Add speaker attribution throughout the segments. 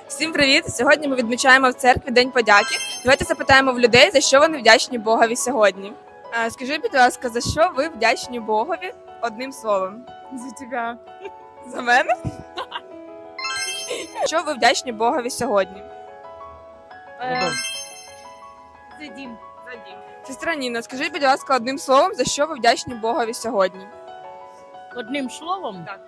Speaker 1: Всім привіт! Сьогодні ми відмічаємо в церкві День подяки. Давайте запитаємо в людей, за що вони вдячні Богові сьогодні. Скажіть, будь ласка, за що ви вдячні Богові одним словом?
Speaker 2: За тебя.
Speaker 1: За мене? Що ви вдячні Богові сьогодні?
Speaker 2: За Дим.
Speaker 1: Сестра Ніна, скажіть, будь ласка, одним словом, за що ви вдячні Богові сьогодні?
Speaker 2: Одним словом?
Speaker 1: Так.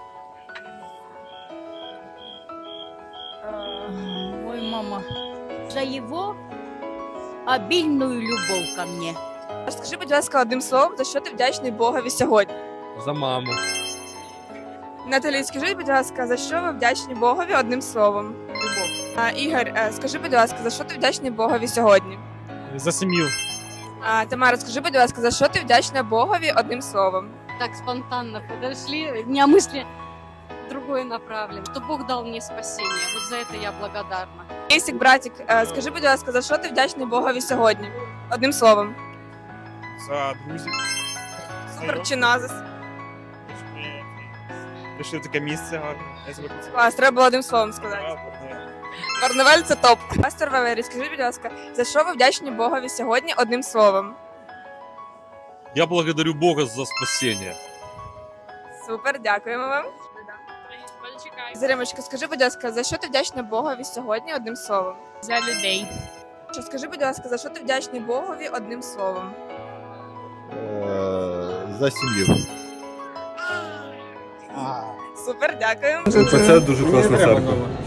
Speaker 2: Ой, мама. За его обильную любовь ко мне.
Speaker 1: Скажи, будь ласка, одним словом, за що ти вдячний Богові сьогодні?
Speaker 3: За маму.
Speaker 1: Наталі, скажіть, будь ласка, за що ви вдячні Богові одним словом? Любов. Ігор, скажи, будь ласка, за що ти вдячний Богові сьогодні?
Speaker 3: За сім'ю.
Speaker 1: Тамара, скажи, будь ласка, за що ти вдячна Богові одним словом?
Speaker 4: Так спонтанно подошли. У меня мысли другое направлено. Что Бог дал мне спасение. Вот за это я благодарна.
Speaker 1: Кейсик, братик, скажи, будь ласка, за що ти вдячний Богові сьогодні? Одним словом.
Speaker 3: За друзів.
Speaker 1: Супер чи назис?
Speaker 3: Пішли в таке місце гарне. Я себе хотів.
Speaker 1: Клас, треба було одним словом сказати. Барнавель це топ. Пастор Валерій, скажи, будь ласка, за що ви вдячні Богові сьогодні одним словом?
Speaker 5: Я благодарю Бога за спасение.
Speaker 1: Супер, дякуємо вам. Заримочка, скажи, будь ласка, за що ти вдячна Богові сьогодні одним словом?
Speaker 2: За людей.
Speaker 1: Скажи, будь ласка, за що ти вдячний Богові одним словом?
Speaker 6: За сім'ю.
Speaker 1: Супер, дякуємо.
Speaker 6: Це дуже класна церква.